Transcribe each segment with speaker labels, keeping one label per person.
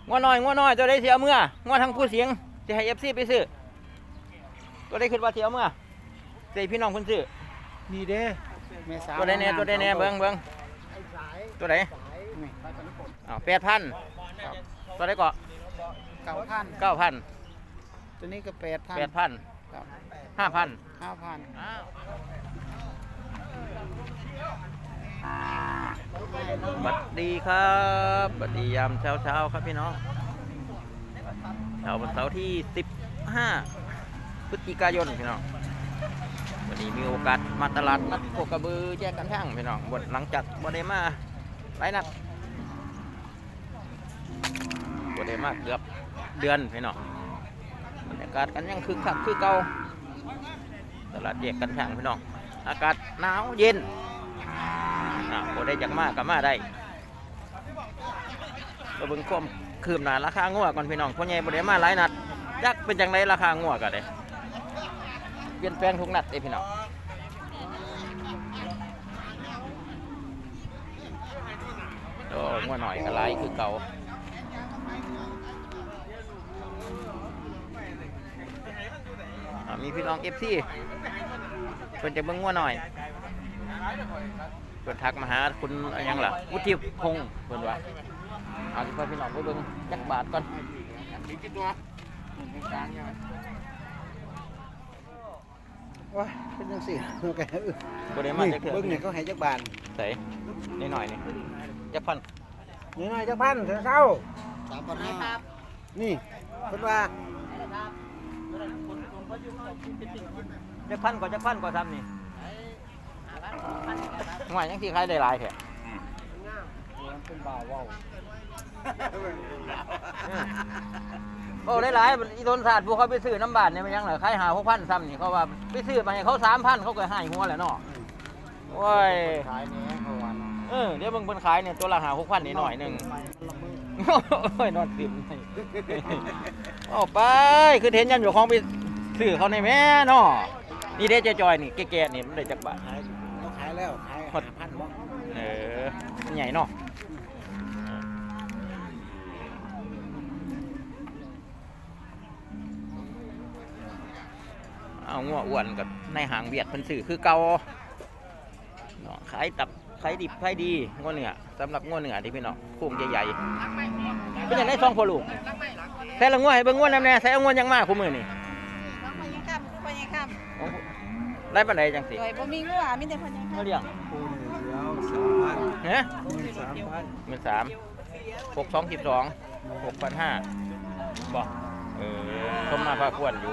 Speaker 1: งัวน้อยตัวได้เสียเมื่องัวทางผู้เสียงจะให้FCไปซื้อตัวได้ขึ้นว่าเสียเมื่อใส่พี่น้องคนซื้อ
Speaker 2: นี่เด้
Speaker 1: ตัวใดแน่เบิ่งตัวไหน8,000ตัวไหนก็9,000
Speaker 2: ตัวนี้ก็8,000
Speaker 1: 5,000บัดดีครับบัดดียามเช้าครับพี่น้องวันเสาร์ที่15พฤศจิกายนพี่น้องวันนี้มีโอกาสมาตลาดนัดโคกระบือแยกกันช่างพี่น้องหลังจากบ่ได้มาหลายนัดบ่ได้มาเกือบเดือนพี่น้องบรรยากาศกันยังคึกคักคือเก่าตลาดแยกกันช่างพี่น้องอากาศหนาวเย็นบ่ได้จากมากับมาได้เราเบิ่งความคืบหน้าราคางัวก่อนพี่น้องพ่อใหญ่บ่ได้มาหลายนัดจักเป็นจังไดราคางัวก็ได้เปลี่ยนแปลงทุกนัดเด้พี่น้องโอ้งัวหน่อยก็หลายคือเก่ามีพี่น้อง FC เพิ่นจะเบิ่งงัวหน่อยเพิ่นทักมาหาคุณอะไรยังล่ะวุฒิพงษ์เพิ่นว่าเอาสิพี่น้องไปเบิ่งจักบาทก่อน
Speaker 2: ว้าเป็นจังซี่
Speaker 1: บ่ได้มาจักเทื่อ
Speaker 2: เบิ่งนี่เขาให้จักบาท
Speaker 1: ใส่นิดหน่อยนี่จักพัน
Speaker 2: นี่หน่อยจักพันเช้า3,500ครับนี่เพิ่นว่า
Speaker 1: จักพันกว่าซ้ำนี่หน่อยยังสิขายได้หลายแท้
Speaker 2: เป็นบ่าวว้าว
Speaker 1: โอ้ได้หลายอีต้นศาสตร์พวกเขาไปซื้อน้ำบาทเนี่ยมันยังเหรอขาย6,000ซ้ำนี่เขาว่าไปซื้อมาให้เขา3,000เขาก็ให้หัวแหละเนาะโอ้ย
Speaker 2: ขายนี้เมื่อวาน
Speaker 1: เดี๋ยวเบิ่งขายเนี่ยตัวละ6,000นิดหน่อยนึงโอ้ยนอนติ่มเอาไปคือเห็นยันอยู่ของไปซื้อเขาในแม่เนาะนี่เด้เจ๊จอยนี่แก่ๆนี่มันได้จักบาท
Speaker 2: เขาขายแล้วขาย5,000บ่
Speaker 1: มันใหญ่เนาะเอางัวอ้วนกับในหางเวียดเพิ่นซื้อคือเก่าเนาะขายดิบขายดีงัวเนื้อสำหรับงัวเนื้อที่พี่น้องโค้งใหญ่ๆเป็นอย่างได้2พ่อลูกแต่ละงัวให้เบิ่งงัวนำแน่ใส่เอางัวยังมาคู่มือนี่ได้ปานใดจังสิ
Speaker 3: บ่มีงัวมีแต่เพิ่นยัง
Speaker 1: เลี้ยงฮะ13,000 6,212 6,500บ่ชมมาพาควรอยู่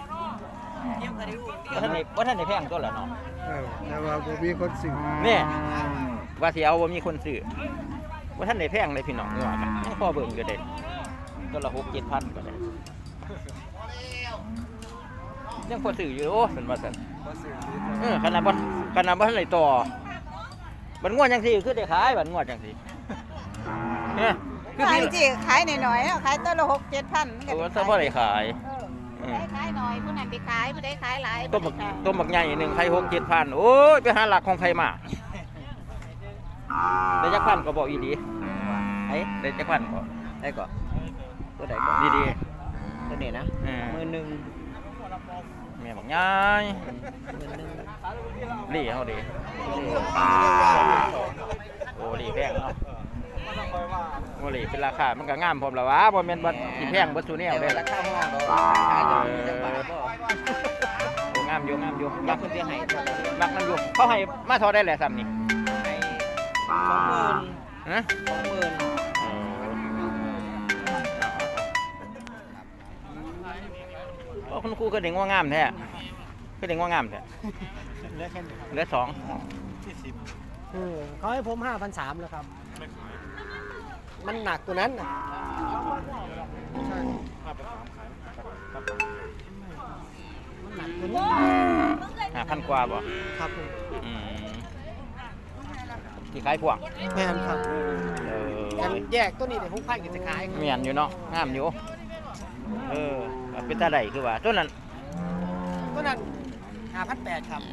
Speaker 1: ว่าท่านได้แพงตัวละเนาะ
Speaker 2: แต่ว่าบ่มีคนซื้อ
Speaker 1: นี่ว่าสิเอาบ่มีคนซื้อว่าท่านได้แพงเลยพี่น้องงัวกันยังพอเบิ่งอยู่เด้ตัวละ6-7,000ก็ได้ยังพอซื้ออยู่โอ้เพิ่นว่าซั่นขนาดบ่ทันได้ต่อบัดงัวจังซี่คือได้ขายบัดงัวจังซี่
Speaker 3: ขายสิขายหน่อยๆขายตัวละ6-7,000
Speaker 1: ก็ซะบ่ได้ขาย
Speaker 3: ขายหน่อยผู้นั้นไปขายผู้ใดขายหลาย
Speaker 1: ต้มบักใหญ่นึงขาย6-7,000โอ้ยไปหาหลักของไผมาได้จักพันก็บ่อีหลีได้จักพันก็ได้ก็ตัวใดก็ดี
Speaker 2: ๆตัวนี้นะ
Speaker 1: 10,000แม่บักใหญ่ดีเฮาดีโอ้ดีแพงเนาะโอ้ดีเป็นราคามันก็งามพร้อมแล้ววะบ่แม่นบ่สิแพงบ่ซุแนวเด้ราคาห้องดอกโอ้งามอยู่มักเพิ่นสิให้มักมันอยู่เขาให้มาเท่าได้แหละซ้ำนี่
Speaker 2: ให้20,000
Speaker 1: ฮะคุณครูก็เด็กว่างามแท้ก็เด็กว่างามแท้เหลือ2
Speaker 2: เขาให้ผม5,300แล้วครับมันหนักตัวนั้นมันหนักตัวนี้
Speaker 1: 5,000 กว่าบ่
Speaker 2: ครับผม
Speaker 1: ที่ขายพวก
Speaker 2: แม่นครับกันแยกตัวนี้เดี๋ยว6,000ก็จะขาย
Speaker 1: แม่นอยู่เนาะงามอยู่เป็นตาใดคือว่าตัวนั้น
Speaker 2: 5,800ครับ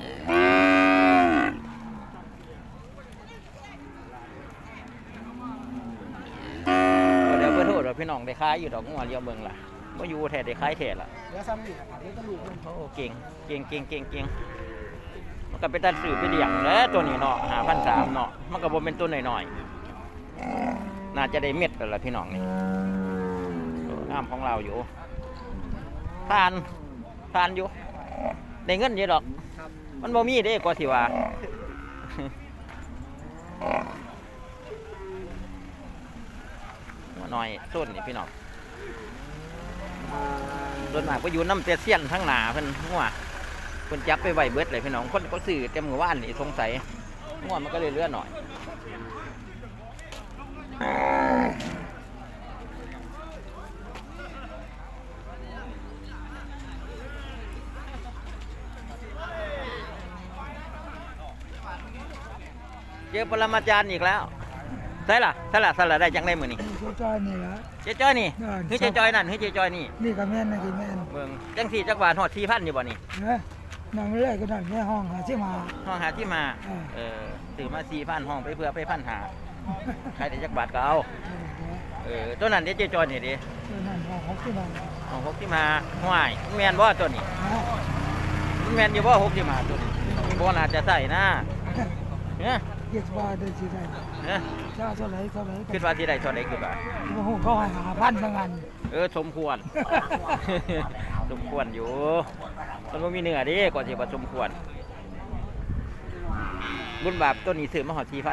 Speaker 1: เดี๋ยวเบอร์โทรอกพี่น้องได้ขายอยู่ดอกงัวเลี้ยวเบิ่งล่ะบ่อยู่แท้ได้ขายแท้ล่ะ
Speaker 2: เดี๋ยวซ้ำนี่เดี๋ยวตะลุกมัน
Speaker 1: โอ้เก่งมันก็เป็นตัดสื่อไปเลี้ยงแล้วตัวนี้เนาะ5,300เนาะมันก็บ่เป็นตัวน้อยๆน่าจะได้เม็ดแล้วล่ะพี่น้องนี่งามของเราอยู่ทานอยู่ได้เงินอยู่ดอกมันบ่มีเด้ก็สิว่าหน่อยต้นนี่พี่น้องต้นมากก็อยู่น้ำเตเซียนทั้งหนาเพิ่นงัวเพิ่นจับไปไว้เบิดเลยพี่น้องคนเขาซื้อเต็มมือว่านนี่สงสัยงัวมันก็เลยเลื่อนหน่อยเจอปรมาจารย์อีกแล้วใช่ล่ะได้จังได้มื้อนี้
Speaker 2: จอยนี่ละ
Speaker 1: เจ๊จ้อยนี่เฮ้ยเจ๊จ้อยนั่นเฮ้ยเจ๊จ้อยนี่
Speaker 2: นี่ก็แม่นนะกินแม่น
Speaker 1: เบิ่งจังสี่จักบาทฮอด4,000อยู่บ่นี่
Speaker 2: เนอะนั่งเรื่อยก็นั่นแม่ห้องหาที่มา
Speaker 1: ห้องหาที่มาซื้อมา4,000ห้องไปเพื่อไป1,500ใครได้จักบาทก็เอาตัวนั้นเด้เจ๊จ้อยนี่เด้
Speaker 2: นั่นห้องหกที่มา
Speaker 1: ห้อง6ที่มาห้วยแม่นบ่ตัวนี้มันแม่นอยู่บ่6ที่มาตัวนี้บ่น่าจะใส่นะเนี่ย
Speaker 2: เกียรติว่าได้สิได้
Speaker 1: เนี่ย
Speaker 2: เจ้าเท่าไหร่
Speaker 1: คิดว่าสิได้เท่าใดคือว่า
Speaker 2: โอ้โหเขาให้5,000ทั้งนั้น
Speaker 1: สมควร สมควรอยู่มันบ่มีเนื้อเด้ก็สิว่าสมควรบุญบาปต้นนี้ซื้อมาฮอด4,000บ่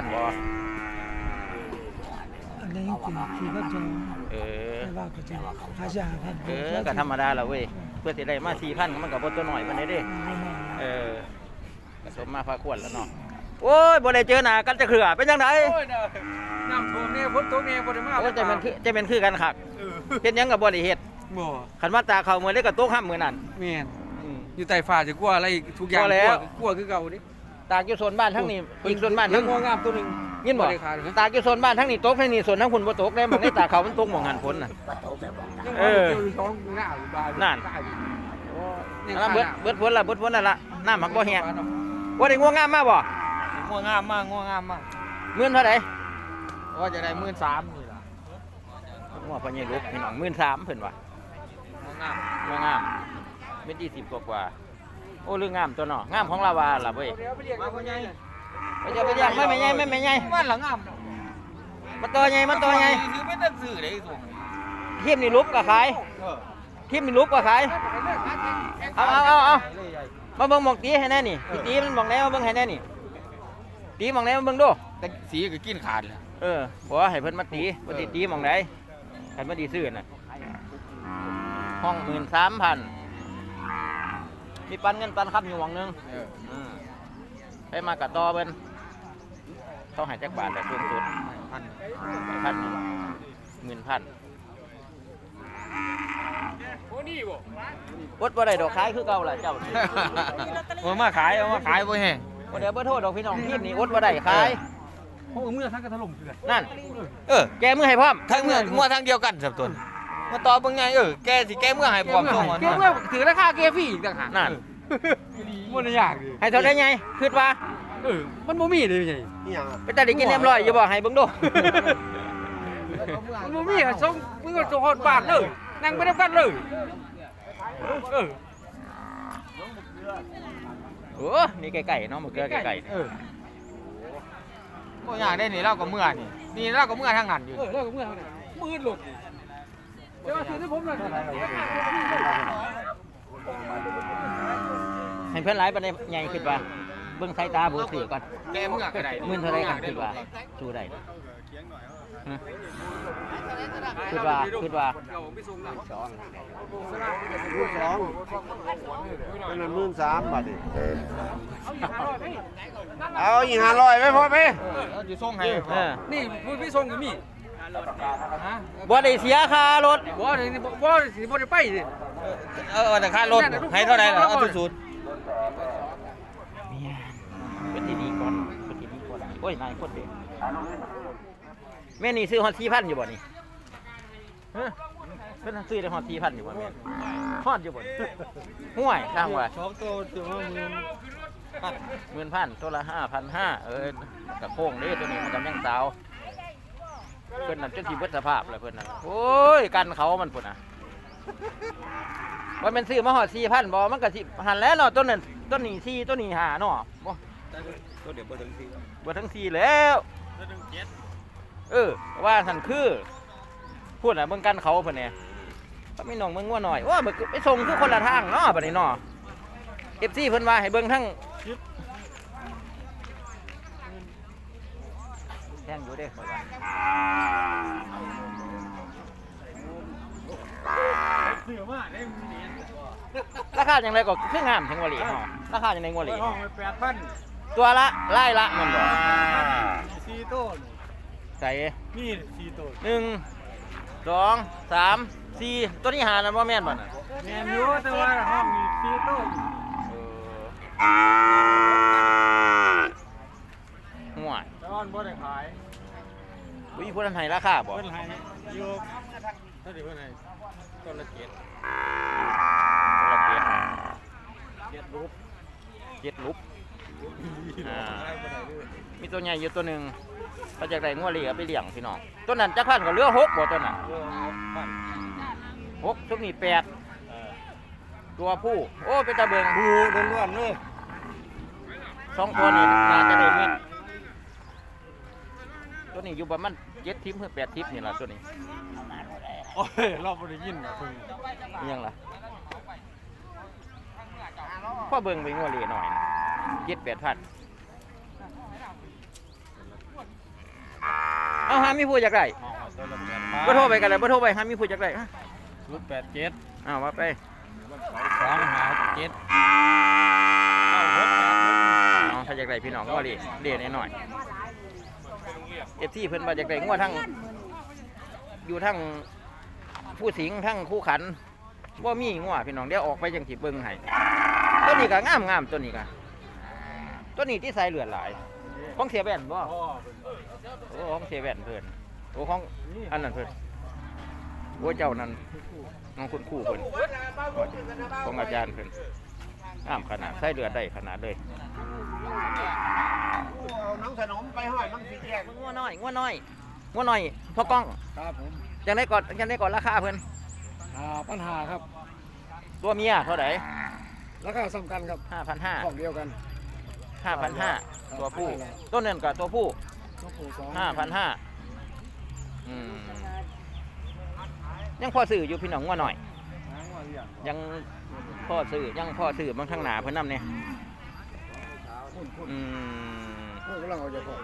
Speaker 2: อันนี้คือก็จะ
Speaker 1: เ
Speaker 2: ว่าก็จะหาชาพัน
Speaker 1: ก็ธรรมดาแล้วเว้ยเพื่อสิได้มา 4,000มันก็บ่ตัวน้อยปานใดเด้ก็สมมาพาควรแล้วเนาะโอ้ยบ่ได้เจอหน้ากันจะเขือเป็นจังได๋
Speaker 4: น้ำท่วมเนี่ยฝนตกเนี่ยบ่ได้มา
Speaker 1: โอ้ยจะเป็นคือกันคักเฮ็ดหยังก็บ่ได้เฮ็ด
Speaker 4: บ่
Speaker 1: คันว่าตาเข้ามื้อใดก็ตกห้ามมื้อนั้น
Speaker 4: แม่นอยู่ใต้ฟ้าจะกลัวอะไรทุกอย่างกลัวคือเก่าดิ
Speaker 1: ตากอยู่โซนบ้านทั้งนี้อีกโซนบ้านทั้ง
Speaker 4: งงามตัวนึง
Speaker 1: ยินบ่ตากอยู่โซนบ้านทั้งนี้ตกทั้งนี้โซนทั้งคุณบ่ตกได้บ่ได้ตาเข้ามันตกหม่องหันฝนน่ะ
Speaker 4: ท้องหน้าอยู่บ้าน
Speaker 1: นั่นอันนั้นเบิดฝนนั่นล่ะน้ำหักบ่แห้งบ่ได้ง่วงงามมาบ่
Speaker 4: งัวงามมากงัวงามมาก
Speaker 1: มื้อเท่าใด
Speaker 4: ว่าจะได้13,000นี่ล่ะ
Speaker 1: งัวพ่อใหญ่ลูกพี่น้อง13,000เพิ่นว่า
Speaker 4: งัวงาม
Speaker 1: งัวงามเม็ด20กว่าโอ้เรื่องงามตัวเนาะงามของลาวาล่ะเว้ย
Speaker 4: มาพ่อใหญ่
Speaker 1: ไปจะไปย่างไม่ใหญ่
Speaker 4: บ้านหลังงาม
Speaker 1: มาตัวใหญ่
Speaker 4: ซื้อไม่ได้ซื้อได้ส่ง
Speaker 1: ทีมนี่ลุกก็ขายทีมนี่ลุกก็ขายเอามาเบิ่งหมองตีให้แน่นี่พี่ตีมันหมองไหนมาเบิ่งให้แน่นี่ตีหมองไหนมาเบิ่งดู
Speaker 4: แต่สีก็กินขาดแล้ว
Speaker 1: บ่ให้เพิ่นมาตีบ่ได้ตีหมองไหนคันบ่ดีซื้อน่ะห้อง 13,000มีปันเงินปันคำอยู่หม่องนึงไปมากะต่อเพิ่นเขาให้จักบาทแต่สูงสุด 1,000
Speaker 4: โอ้นี่บ่
Speaker 1: อดบ่ได้ดอกขายคือเก่าล่ะเจ้า
Speaker 4: เอามาขายบ่แห้ง
Speaker 1: บ่ได้บ่โทษดอกพี่น้องทีมนี้อดบ่ได้ขาย
Speaker 4: โอ้เมื่อทั้งกระถล่มคือกัน
Speaker 1: นั่นแกมือให้พร้อม
Speaker 4: ทั้งเมื่องัวทั้งเดียวกันสับตนมาต่อเบิ่งไงแกสิแกเมื่อให้พร้อมส่งแกเมื่อถือราคาแกฟรีอีกต่างหาก
Speaker 1: นั่น
Speaker 4: มันยากดิ
Speaker 1: ให้เท่าได้ไงคิดว่า
Speaker 4: มันบ่มีเลยไง
Speaker 2: นี่ยัง
Speaker 1: ไปตัดได้กินเรียบร้อยอย่าบอกให้เบิ่งดู
Speaker 4: มันบ่มีอ่ะส่งมึงก็ส่งฮอดบ้านเลยนั่งไปนํกันเลย
Speaker 1: โอ้นี่ไก่ๆเนาะหมึกเกลือไก่
Speaker 4: บ่ยากได้นี่เราก็เมื่อนี่เราก็เมื่อทางนั้นอยู่เราก็เมื่อทางนั้นมืดหลุดเดี๋ยวซื้อให้ผมหน่อย
Speaker 1: ให้เพิ่นหลายปานใดใหญ่คิดว่าเบิ่งสายตาบ่ซื้อก่อน
Speaker 4: แกเมื่อก็ได้
Speaker 1: มื้อเท่าไรกันคิดว่าสู้ได้คิดว่า
Speaker 2: เป็น13,000บาทดิเอาอีก500ไว้พอพี่
Speaker 4: อยู่ส่งให้นี่พี่ส่งก็มีฮะ
Speaker 1: บ่ได้เสียค่ารถ
Speaker 4: บ่ได้ไปสิ
Speaker 1: แต่ค่ารถให้เท่าใดล่ะเอาสุดๆเป็นที่ดีก่อนโอ้ยนายคนเด็กแม่นี่ซื้อฮอด 4,000 อยู่บ่นี่ฮะเพิ่นซื้อได้ฮอด 4,000 อยู่บ่แม่ฮอดอยู่บ่ห่วยทางว่า
Speaker 4: 2ตัวถือว่า
Speaker 1: 10,000ตัวละ 5,500กะโค้งเด้ตัวนี้มันกำยังสาวเพิ่นนั่นจนสิเบิดสภาพแล้วเพิ่นนั่นโอ้ยกันเขามันพุ่นน่ะว่าแม่นซื้อมาฮอด 4,000 บ่มันก็สิหันแล้วเนาะต้นนั้นต้นนี้4ต้นนี้5เนาะบ่
Speaker 2: ก็เดี๋ยวบ่ถึง4
Speaker 1: บ่ทั้ง4แล้วว่าซั่นคือพูดน่ะเบิ่งกันเขาเพิ่นแหน่ก็มีน้องเบิ่งงัวหน่อยว่าไปส่งคือคนละทางเนาะบัดนี้เนาะ FC เพิ่นว่าให้เบิ่งทั้งแท่งอยู่เด้ข่อยว่าราคาจังไดก็คืองามถึงว่าหลีเนาะราคาจังได๋งัวหลี
Speaker 4: ห้องไป8,000
Speaker 1: ตัวละไล่ละมันบ่
Speaker 4: 4ต้น
Speaker 1: ใส่
Speaker 4: นี่4ต้น
Speaker 1: 1 2 3 4ตัวนี้หานะบ่แม่นบ่น่ะ
Speaker 4: แม่นอยู่แต่ว่าห้องนี่4ต้น
Speaker 1: ห่วย
Speaker 4: ตอนบ่ได้ขาย
Speaker 1: อุ้ยเพิ่นให้ราคาบ่
Speaker 4: เพิ่นให้อยู่เท่าที่เพิ่นให้ต้นละ7
Speaker 1: ตัวละ
Speaker 4: 7รูป
Speaker 1: 7ลุบมีตัวใหญ่อยู่ตัวหนึงก็จากได้งัวเหลีเอาไปเลี้ยงพี่น้องตัวนั้นจักพันก็เหลือ6บ่ตัวนั้น6ตัวนี้8ตัวผู้โอ้เป็นตาเบิง
Speaker 2: ดูล้วนๆเลย
Speaker 1: 2ตัวนี้น่าจะได้เม็ดตัวนี้อยู่ประมาณ7ทิปหรือ8ทิปนี่ล่ะตัวนี้
Speaker 4: โอ้ยเราบ่ได้ยินเพิ่น
Speaker 1: อิหยังล่ะพ่อเบิ่งไปงัวเหลีหน่อย7-8 พันเอาหามีผู้อยากได้
Speaker 4: ต้นละ
Speaker 1: บ่โทรไปกันเลยบ่โทรไปหามีผู้อยากได้
Speaker 4: 087
Speaker 1: อ้าวว่าไป
Speaker 4: 257
Speaker 1: น้องถ้าอยากได้พี่น้องงัวเหลีเลี้ยหน่อยFC เพิ่นว่าอยากได้งัวทั้งอยู่ทั้งผู้สิงห์ทั้งคู่ขันบ่มีงัวพี่น้องเดี๋ยวออกไปจังสิเบิ่งให้ตัวนี้ก็งามตัวนี้ก็ตัวนี้ที่ใส่เลือดหลายของเสียแว่นบ่โอ้ของเสียแว่นเพิ่นโอ้ของอันนั้นเพิ่นโอ้เจ้านั้นน้องคุณครูเพิ่นของอาจารย์เพิ่นงามขนาดใส่เลือดได้ขนาดเลย
Speaker 2: เอาน้องขนมไปห้อยมันสิแยก
Speaker 1: งัวน้อยพ่อกล้อง
Speaker 4: ครับผม
Speaker 1: จังได้ก่อนราคาเพิ่น
Speaker 4: ปัญหาครับ
Speaker 1: ตัวเมียเท่าไหร่
Speaker 4: ราคาสำคัญครับ
Speaker 1: 5,500
Speaker 4: ของเดียวกัน
Speaker 1: 5,500ตัวผู้ต้นนั้นกับตัวผู้
Speaker 4: ต้องผู2
Speaker 1: 5,500ยังพอซื้ออยู่พี่น้องงัวหน่อยยังพอซื้อบางทางหนาเพิ่นนำเนี่ย
Speaker 4: พูดกำลังเอาใจพอ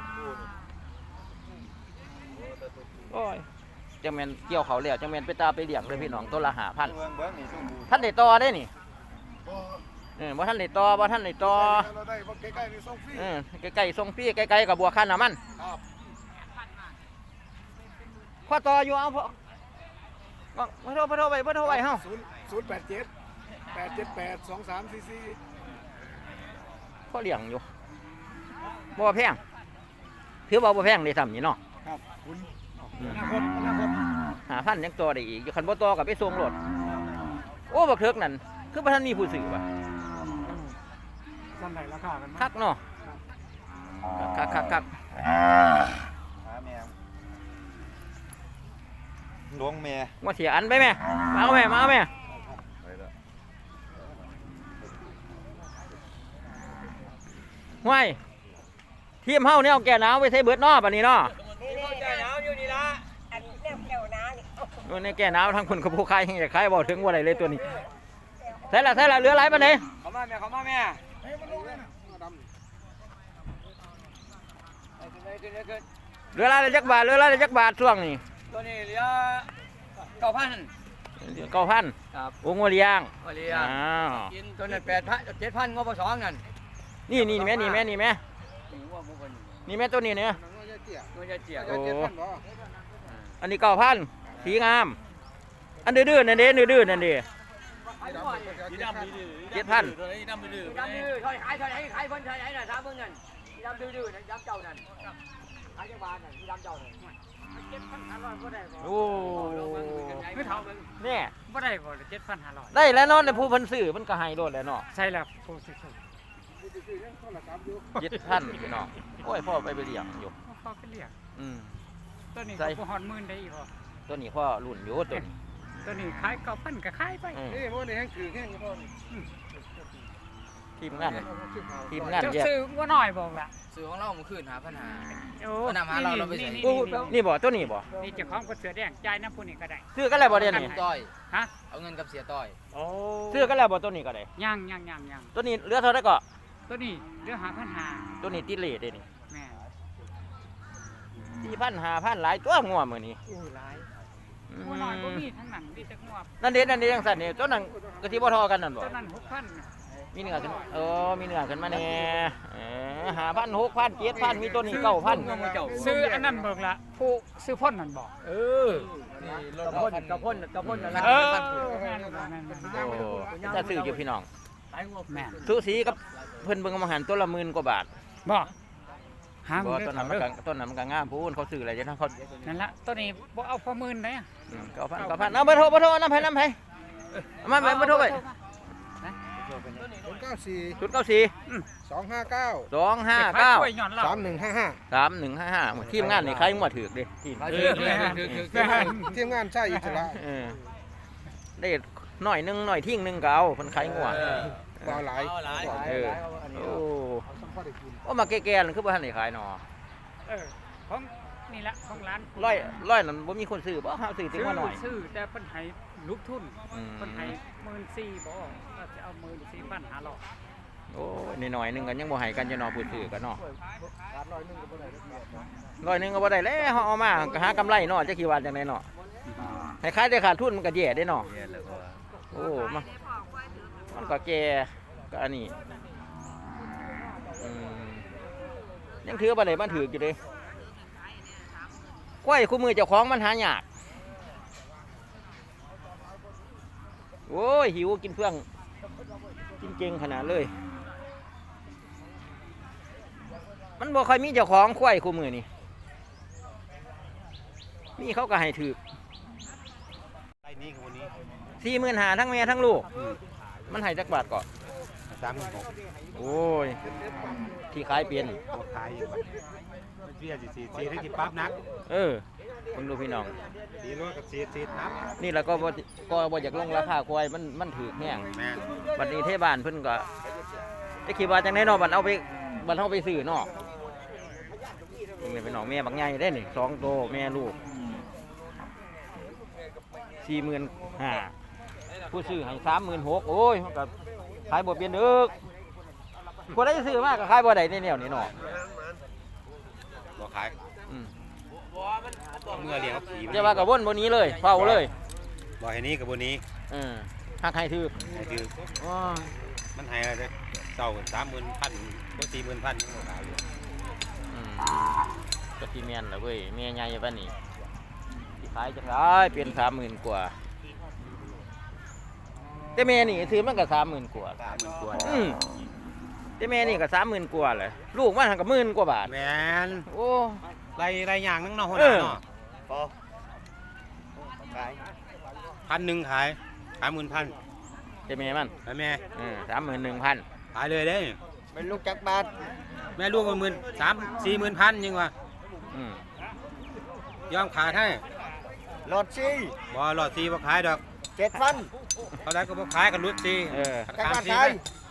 Speaker 1: โอ้ยจังแม่นเกี่ยวเขาแล้วจังแม่นไปตาไปเลี้ยงเลยพี่น้องตัวละ5,000
Speaker 2: เมืองเบิ้งนี่สู้บู
Speaker 1: ท่านได้ต่อได้นี่บ่ท่านได้ต่อเราได้บ่ใกล้ๆนี่ส่งฟรีใกล้ๆส่งฟรีใกล้ๆกับบวกค่าน้ำมันครับพอต่ออยู่เอาพอบ่โทรไปเฮา
Speaker 4: 087-878-2344
Speaker 1: พอเลี้ยงอยู่บ่แพงถือว่าบ่แพงได้ซ้ำนี่เนาะ
Speaker 4: ครับคุณอนาคต
Speaker 1: 5,000ยังต่อได้อีกอยู่คันบ่ต่อก็ไปส่งรถโอ้บักเถิกนั่นคือบ่ทันมีผู้ซื้อว่ะ
Speaker 4: จำไหนราคากัน
Speaker 1: คักเนาะคัก
Speaker 2: หาแมวหลวงแม่
Speaker 1: ว่าเสียอันไปแม่มาเอาแม่ห้วยทีมเฮาเนี่ยเอาแก่หนาวไปใส่เบิดเนาะบัดนี้เนาะ
Speaker 4: ใจหนาวอยู่นี่ละ
Speaker 1: โอ้ในแก่หนาวทั้งคนกับผู้ขายยังจะขายบ่ถึงว่าไรเลยตัวนี้ใส่ละเหลือหลายปานใด
Speaker 4: เขามาแม่
Speaker 1: เหลือหลายจักบาทช่วงนี้
Speaker 4: ตัวนี้เหลือ 9,000
Speaker 1: 9,000
Speaker 4: ครับ
Speaker 1: โอ้งัวเลี้ยง
Speaker 4: โอเลีย
Speaker 1: อ้าว
Speaker 4: กินตัวนั้น7,000งบ2นั่น
Speaker 1: นี่แม่นี่แม่ตัวนี้เนี่ย
Speaker 4: ตัวจะเจีย
Speaker 1: โอ้อันนี้9,000สีงามอันดื้อๆนั่นเด้ดื้อๆนั่นเด้ 7,000
Speaker 4: ดำดื้อขายเพิ่นขายน่ะถามเพิ่นนั่นดำดื้อนั่นดำเจ้านั่นขายจังหวัดนั่นดำเจ้านั่น7,500บ่ได้บ่
Speaker 1: โอ้
Speaker 4: คือเท่ามึง
Speaker 1: เนี่ย
Speaker 4: บ่ได้บ่7,500
Speaker 1: ได้แล้วเนาะในผู้เพิ่นซื้อมันก็ให้โดดแล้วเนาะ
Speaker 4: ใช่แล้วผู้ซื้อ
Speaker 1: 7,000พี่น้องโอ้ยพ่อไปเลี้ยงอยู่
Speaker 4: เขาก็เรียก
Speaker 1: ตัว
Speaker 5: ตัวนี้
Speaker 1: ใส่
Speaker 5: ก็หอนหมื่นได้อีกพอ
Speaker 1: ตัวนี้พ่อรุ่นอยู่ตัวนี้
Speaker 5: ตัวนี้ขาย9,000ก็ขายไป
Speaker 2: นี่พวกนี้แห้งถือแห้งก็พอ
Speaker 1: ทีมงาน
Speaker 5: เจ้า
Speaker 1: แยก
Speaker 5: ซื้อว่าน้อยบอกล่ะ
Speaker 6: ซื้อของเราเมื่อคืนหาปัญหา
Speaker 5: โอ้
Speaker 6: เอานำหาเราไปใส่
Speaker 1: นี่บ่ตัวนี้บ่
Speaker 5: นี่เจ้าของก็เสือแดงจ่ายน้ำผู้นี้ก็ได้
Speaker 1: ซื้อกันแล้วบ่เดี๋ยวนี้
Speaker 6: ต้อย
Speaker 5: ฮะ
Speaker 6: เอาเงินกับเสียต้อย
Speaker 5: โอ้
Speaker 1: ซื้อกันแล้วบ่ตัวนี้ก็ได้
Speaker 5: ยัง
Speaker 1: ตัวนี้เหลือเท่าไหร่ก็
Speaker 5: ตัวนี้เรื่องหาปัญหา
Speaker 1: ตัวนี้ติดเลทเด้นี่
Speaker 5: แม่
Speaker 1: 4,000 5,000หลายตัวงัวมื้อนี้
Speaker 5: อู้หลายหัวน้อยบ่มีทั้งหนังมีแต่งวบ
Speaker 1: นั่นเด้จังซั่นนี่ตัวนั้นก็สิบ่เทอกันนั่นบ่
Speaker 5: ตัวนั้น6,000
Speaker 1: มีเนื้อขึ้นมีเนื้อขึ้นมาแน่5,000 6,000 7,000มีตัวนี้9,000
Speaker 5: ซื้ออันนั้นเบิกละผู้ซื้อพ่นนั่นบอก
Speaker 4: กระพ่นนั่นแหละ
Speaker 5: แม่น
Speaker 1: โอ้จะซื้ออยู่พี่น้อง
Speaker 5: แม่น
Speaker 1: สูสีกับเพิ่นเบิ่งมาหันตัวละ10,000กว่าบาท
Speaker 5: บ่หา
Speaker 1: บ่
Speaker 5: เงิน
Speaker 1: ต้นนั้นมันก็งามพูนเขาซื้ออะไรจังเขา
Speaker 5: นั่นละตัวนี้บ่เอาพอหมื่นได้
Speaker 1: 9,000เอาเบอร์โทรนำให้เอามาเบอร์โทรไป
Speaker 2: 094 259
Speaker 1: 259
Speaker 5: กล้วยหย่อนเรา
Speaker 2: 3155
Speaker 1: 3155ทีมงานนี่ใครงัวถูกเด้ทีม
Speaker 2: ทีมงานใช่อิสระ
Speaker 1: ได้หน่อยนึงหน่อยทิ้งนึงก็เอาเพิ่นขายงัว
Speaker 2: บ่หลาย
Speaker 1: โอ้มาแก่ๆนั่นคือบ่ทันได้ขายเนาะ
Speaker 5: ของนี่ละของร้าน
Speaker 1: ร้อยนั่นบ่มีคนซื้อบ่เฮาซื้อถึงว่าหน่อย
Speaker 5: ซื้อแต่เพิ่นให้ลูกทุนเพิ่นให้14,000บ่ก็จะเอา14,500
Speaker 1: โอ้ยน้อยๆนึงก็ยังบ่ให้กันจะเนาะพูดซื้อกันเนาะร้อยนึงก็บ่ได้แล้วเฮาเอามาก็หากำไรเนาะจักกี่ว่าจังได๋เนาะให้ขายได้ขาดทุนมันก็แย่ได้เนาะโอ้มันก็แก่ก็อันนี้ยังถือบ่ได้มันถืออยู่เด้กล้วยคู่มือเจ้าของมันหายากโอ้ยหิวกินเพื่องกินเก่งขนาดเลยมันบ่ค่อยมีเจ้าของกล้วยคู่มือนี่มีเขาก็ให้ถือ
Speaker 2: ไอ้นี่คือวันนี้
Speaker 1: 45,000ทั้งแม่ทั้งลูกมันให้จักบาทก่อน
Speaker 2: 36,000
Speaker 1: โอ้ยที่ขายเปลี่ยน
Speaker 2: บ่ขายอยู่บัดมันเบี้ยสิ4ทั้งที่ปั๊บนัก
Speaker 1: คุณดูพี่น้อง
Speaker 2: ดีรถกับ4นับ
Speaker 1: นี่แล้วก็บ่อยากลงราคาควายมันถือแห้ง
Speaker 2: แม่น
Speaker 1: บัดนี้เทศบาลเพิ่นก็ได้คิดว่าจังได๋เนาะบัดเอาไปซื้อเนาะนี่เป็นน้องแม่บักใหญ่ได้นี่2โตแม่ลูก 45,000ผู้ซื้อให้ 36,000โอ้ยมันก็ขายบ่เปลี่ยนเด้อคนได้ซื้อมาก็ขายบ่ได้ในแนวนี้เนาะ
Speaker 2: บ่ขายเมื่อเลี้ยงผี
Speaker 1: จะว่าก็วนบ่นี้เลยเฝ้าเลย
Speaker 2: บ่ให้นี้กับบ่นี้
Speaker 1: หักให้ถือ
Speaker 2: ให้คือมันให้อะไรเด้อเจ้า30,000ก็40,000ยังบ่ขายอยู่
Speaker 1: ก็สิแม่นล่ะเว้ยแม่ใหญ่ปานนี้สิขายจังได๋เป็น30,000กว่าแต่แม่นี่ซื้อมันก็30,000กว่า
Speaker 2: 30,000กว่า
Speaker 1: แต่แม่นี่ก็30,000กว่าแหละลูกมันหันก็10,000กว่าบาท
Speaker 2: แม่น
Speaker 1: โอ้
Speaker 2: ไรอย่างนึงเนาะหัวหน้าเนาะพอขาย1,000ขาย10,000
Speaker 1: แต่แม่มัน
Speaker 2: แล้วแม่
Speaker 1: 31,000
Speaker 2: ขายเลยเด้
Speaker 4: เป็นลูกจักรบาท
Speaker 2: แม่ลูกมัน40,000ยังวะยอมขายให้
Speaker 4: หลอดซี่
Speaker 2: บ่หลอด4บ่ขายดอก
Speaker 4: 7,000
Speaker 2: เท่าใดก็บ่ขายกันรุด4
Speaker 4: จักรบาทขาย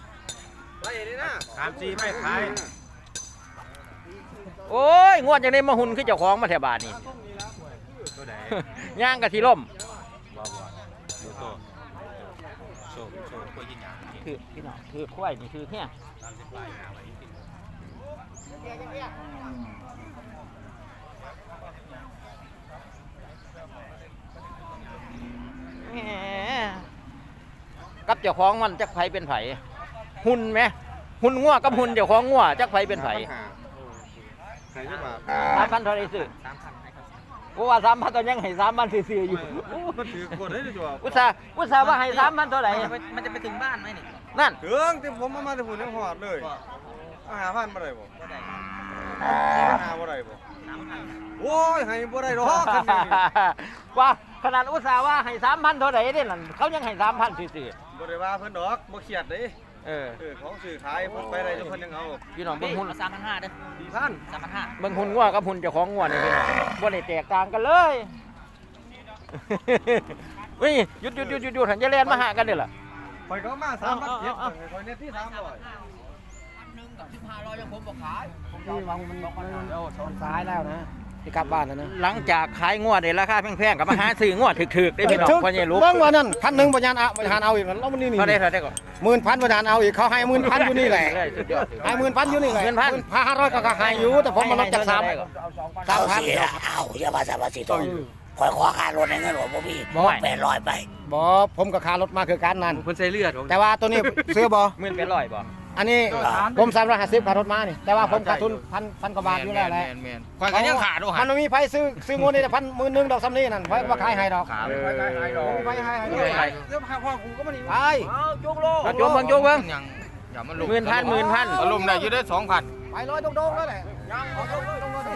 Speaker 2: 34ไม่ขาย
Speaker 1: โอ้ยงวดจังได๋มาหุ่นคือเจ้าของมาแถวบ้านนี่
Speaker 2: ตัวใด
Speaker 1: ย่างก็สิล่ม
Speaker 2: บ่ดูโตโซ่ก็ยิงหยัง
Speaker 1: คือพี่น้องคือควายนี่คือแค่
Speaker 2: 30ปลายหาไว้กิน
Speaker 1: แหมกับเจ้าของมันจักไผเป็นไผหุ่นไหมหุ่นงัวกับหุ่นเจ้าของงัวจักไผเป็นไผ
Speaker 2: ใครจะบาป
Speaker 1: 3,000เท่าไรซื้อกูว่า3,000ตอนยังให้3,000ซื่อๆอยู่
Speaker 2: มันถือกดได้ตัว
Speaker 1: อุตส่าห์ว่าให้3,000เท่าไหร่
Speaker 6: มันจะไปถึงบ้านไหมนี่
Speaker 1: นั่น
Speaker 2: ถึงที่ผมมาแต่ผมยังหอดเลย5,000บ่ได้บ่5บ่ได้บ่โอ้ยให้บ่ได้ดอกคันนี้
Speaker 1: ว่าขนาดอุตส่าห์ว่าให้3,000เท่าไหร่เด้นั่นเขายังให้3,000ซื่อ
Speaker 2: บ่ได้ว่าเพิ่นดอกบ่เครียดเด้
Speaker 1: ๆ
Speaker 2: ของซื้อขายผมไปได้ทุกคนยังเอา
Speaker 1: พี่น้องเบิ่งหุ่น
Speaker 6: 3,500เด้อ
Speaker 2: 4,000
Speaker 6: 3,500
Speaker 1: เบิ่งหุ่นงัวกับหุ่นเจ้าของงัวนี่พี่น้องบ่ได้แตกต่างกันเลย เฮ้ยหยุดหันจะแล่นมาหากันเด้อล่ะ
Speaker 2: ไปก็มา3,700คอยเน็ตที่300
Speaker 6: 1กับ1,500ยังผมบ่ขาย
Speaker 4: นี่วางมันชนซ้ายแล้วนะที่กลับบ้านแล้วนะ
Speaker 1: หลังจากขายงัวได้ราคาแพงๆก็มาหาซื้องัวถึกๆได้พี่น้องพ่อใหญ่ลูก
Speaker 4: เบิ่งว่านั่น1,000บ่ยานเอาบ่ยานเอาอีกแล้วมันนี่
Speaker 1: เท่าได้ก่อน
Speaker 4: 10,000บ่ยานเอาอีกเขาให้10,000อยู่นี่แหละ
Speaker 1: สุดยอด
Speaker 4: ให้10,000อยู่นี่แหละ
Speaker 1: 10,000
Speaker 4: 500ก็ให้อยู่แต่ผมมาลดจาก3
Speaker 7: เอาเสียเอาอย่ามาสาบสิโตคอยขอค่ารถในเงินหลวงพ่อพี่800ไป
Speaker 4: บ่ผมก็ค่ารถมาคือกันนั่น
Speaker 6: เพิ่นใส่เลือด
Speaker 4: แต่ว่าตัวนี้ซื้อบ่
Speaker 1: 1,800บ่
Speaker 4: อันนี้ผม350ค่ารถมานี่แต่ว่าผมขาดทุนพันกว่าบาทอยู่แล้วแหละ
Speaker 6: แม่นๆข่อยก็ยังขาดด้วย
Speaker 4: มันไม่มีไผซื้องวดนี่แต่10,000ดอกซ้ำนี่นั่นไผว่าขายให้ดอกไปให้เดี๋ยวพ่อกูก็บ่นี่ไป
Speaker 1: จุกเบิ่ง
Speaker 6: ยังอย่ามันลง
Speaker 1: 10,000
Speaker 6: อารมณ์ได้อยู่ได้ 2,000
Speaker 4: ไปลอยโดงๆแล้วแหละเอาโดงๆเลย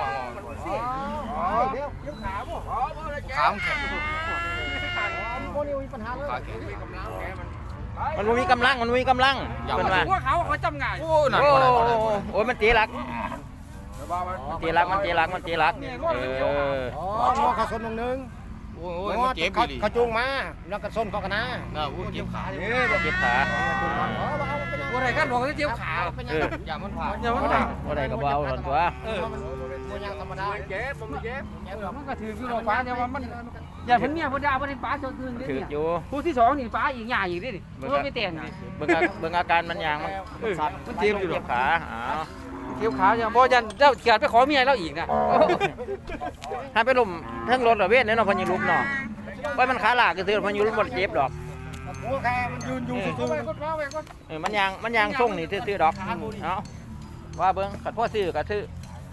Speaker 4: เดี๋ยวขาบ่
Speaker 6: ขามแข็ง
Speaker 4: บ่นี่มีปัญหาเลย
Speaker 6: ขาแข็ง
Speaker 1: มันบ่มีกำลังเพิ่นว่า
Speaker 5: พวกเขาจำง่าย
Speaker 6: โอ้นั่น
Speaker 1: โอ้
Speaker 6: บ่ได้บ่ได้
Speaker 1: โอ้ยมันตีหลักมันตีหลัก
Speaker 4: อ๋อมอขาส้นนึง
Speaker 6: โอ้ยมันเจ็บอีหลี
Speaker 4: เขาจูงมาแล้วก็ส้นเขากันนะ
Speaker 6: น่าอู้เจ็บขา
Speaker 1: เจ็บขา
Speaker 5: บ่ได้กันบอกว่าเจ็บขา
Speaker 6: อย่ามันผ่า
Speaker 1: บ่ได้ก็บ่เอาหล่นตัว
Speaker 4: มันยังธรรมดา
Speaker 5: เจ็บผมเจ็บมันก็ถืออยู่ดอกฟ้าแต่ว่ามันอย่าเพิ่นเมียเพิ่นด่าบ่ได้ฟ้าจนคืน
Speaker 1: ถืออยู่
Speaker 5: ผู้ที่2นี่ฟ้าอีกหญ้าอีกดิเพิ่นไม่แต่งนี่
Speaker 1: เบิ่งอาการมันอย่างมันสั่นมันเจ็บขาอ้าว
Speaker 5: เจ็บขาอย่างบ่ยันเจ้าเกิดไปขอเมียแล้วอีกนะ
Speaker 1: ถ้าไปล้มทั้งรถระเวทเนี่ยเนาะพอยิลุกเนาะว่ามันขาลากก็ซื้อพอยิลุกบ่เจ็บดอก
Speaker 4: โอเคมันยืนอยู่ซื่อ
Speaker 1: มันยางส่งนี่ซื้อดอกเอาว่าเบิ่งขัดพ่อซื้อก็ซื้อ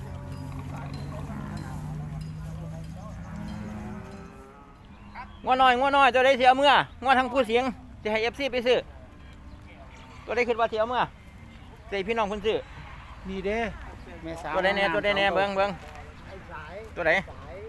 Speaker 1: งัวน้อยตัวได้เสียเมื่องัวทั้งผู้เสียงจะให้ FC ไปซื้อตัวได้คิดว่าเสียเมื่อใส่พี่น้องเพิ่นซื้อ
Speaker 4: นี่เด้แม่สาว
Speaker 1: ตัวได้แน่เบิ่งตัวไหน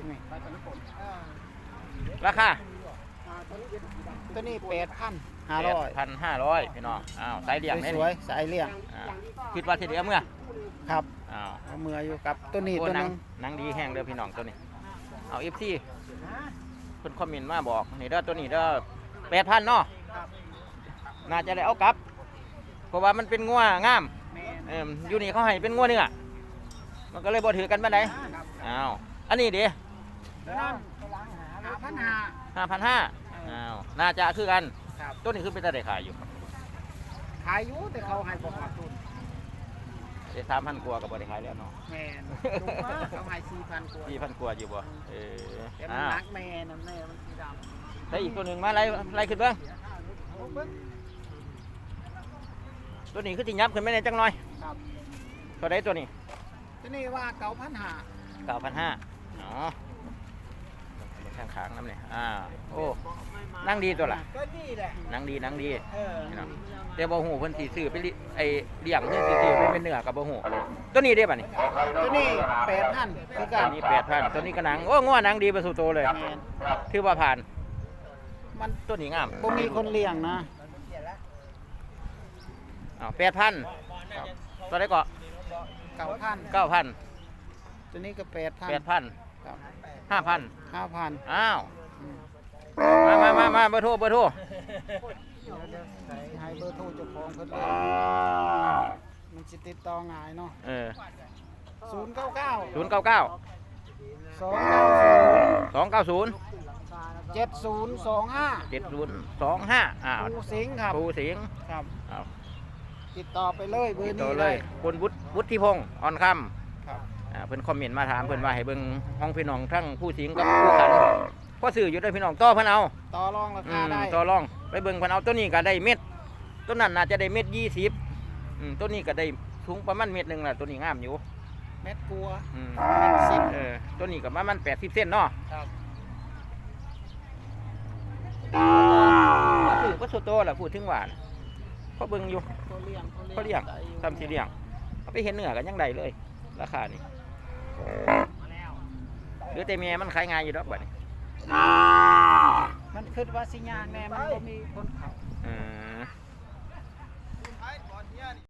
Speaker 1: ราคา
Speaker 4: ตัวนี้8,500
Speaker 1: 8,500พี่น้องอ้าวสายเลี้ยงแน่
Speaker 4: ส
Speaker 1: นี่
Speaker 4: วยสายเลี้ยง
Speaker 1: คิดว่าสิเดียวเมื่อ
Speaker 4: ครับ
Speaker 1: อ้าว
Speaker 4: เอามืออยู่กับตัวนี้
Speaker 1: โอ้
Speaker 4: ตัว
Speaker 1: หนั
Speaker 4: นึ
Speaker 1: ง
Speaker 4: ง
Speaker 1: หนังดีแห้งเด้อพี่น้องตัวนี้เอา FC เพิ่นคอมเมนต์มาบอกนี่เด้อตัวนี้เด้อ 8,000 เนาะน่าจะได้เอากลับเพราะว่ามันเป็นงัวงามอยู่นี่เขาให้เป็นงัวเนื้อมันก็เลยบ่ถือกันปานใดอ้าวอันนี้เด้5,500อ้าวน่าจะคือกันตัวนี้คือเป็นตาได้ขายอยู่
Speaker 4: ขายอยู่แต่เขาให้บ่ขาดทุน
Speaker 1: ได้3,000 กว่าก็บ่ได้ขายแล้วเนาะ
Speaker 4: แม่นเขาให้4,000 กว่า
Speaker 1: 4,000 กว่าอยู่บ่
Speaker 4: แต่มันนักแม่นั่นแม่มันสีดำ
Speaker 1: ได้อีกตัวหนึ่งมาไล่ขึ้นเบ้างตัวนี้คือติยับขึ้นไม่ได้จังหน่อย
Speaker 4: ครับ
Speaker 1: ตัวใดตัวนี้
Speaker 4: ตัวนี้ว่า9,500
Speaker 1: 9,500อ๋อข้างขางน้ำเนี่ยโอ้นั่งดีตัวละ
Speaker 4: ก็นี่แหละ
Speaker 1: นั่งดี
Speaker 4: เออ
Speaker 1: นี่เนาะแต่บ่หูเพิ่นสิซื้อไปไอ้เลี้ยงเพิ่นสิซื้อไปเป็นเนื้อกับบ่หูตัวนี้ได้ป่ะนี่
Speaker 4: ตัวนี้8,000คือกั
Speaker 1: ตัวน นี้ 8,000ตัวนี้ก็หนังโอ้ง้อหนังดีประสูโตเลย
Speaker 4: แม่น
Speaker 1: ถือว่าผ่าน
Speaker 4: มัน
Speaker 1: ตัวนี้งาม
Speaker 4: บ่มีคนเลี้ยงนะ
Speaker 1: 8,000ตัวใดก็
Speaker 4: 9,000
Speaker 1: 9,000
Speaker 4: ตัวนี้ก็8,000
Speaker 1: 8,000
Speaker 4: ครับ
Speaker 1: 5,000
Speaker 4: 5,000
Speaker 1: อ้าวมาเบอร์โทร
Speaker 4: ให้เบอร์โทรเจ้าของเพิ่นเลยมันสิติดต่อง่ายเนาะ 099
Speaker 1: 099
Speaker 4: 290
Speaker 1: 290
Speaker 4: 7025
Speaker 1: 7025
Speaker 4: ปูสิงห์ครับ
Speaker 1: ปูสิงห์
Speaker 4: ครับ
Speaker 1: อ้าว
Speaker 4: ติดต่อไปเลยเบอร์
Speaker 1: ติด
Speaker 4: นี้
Speaker 1: ต่อเล
Speaker 4: ได้
Speaker 1: ยคุณวุฒิพงศ์อ่อนค
Speaker 4: ครับ
Speaker 1: ำเพิ่นคอมเมนต์มาถามเพิ่นว่าให้เบิ่งห้องพี่น้องทั้งผู้สิงห์กับผู้ขันพ่อซื้ออยู่ด้วยพี่น้องต่อเพิ่นเอา
Speaker 4: ต่อรองราคาได้
Speaker 1: ต่อรองไปเบิ่งเพิ่นเอาตัวนี้ก็ได้เม็ดตัวนั้นน่าจะได้เม็ด20ตัวนี้ก็ได้สูงประมาณเม็ดหนึงล่ะตัวนี้งามอยู่
Speaker 4: เม็ดกลัว
Speaker 1: เม็ด10ตัวนี้ก็ประมาณ80เซนเนาะ
Speaker 4: ครับ
Speaker 1: ก็คือก็สุดโตแหละพูดถึงหวานเขาเบิ่งอยู่
Speaker 4: เขาเลี้ยง
Speaker 1: เขาเลี้ยงทำสีเลี้ยงเอาไปเห็นเนื้อกันยังไดเลยราคานี่หรือแต่เมียมันขายง่ายอยู่ดอกบัดนี้
Speaker 4: มันคิดว่าสิยางแน่มันบ่มีคนเขา
Speaker 1: อืม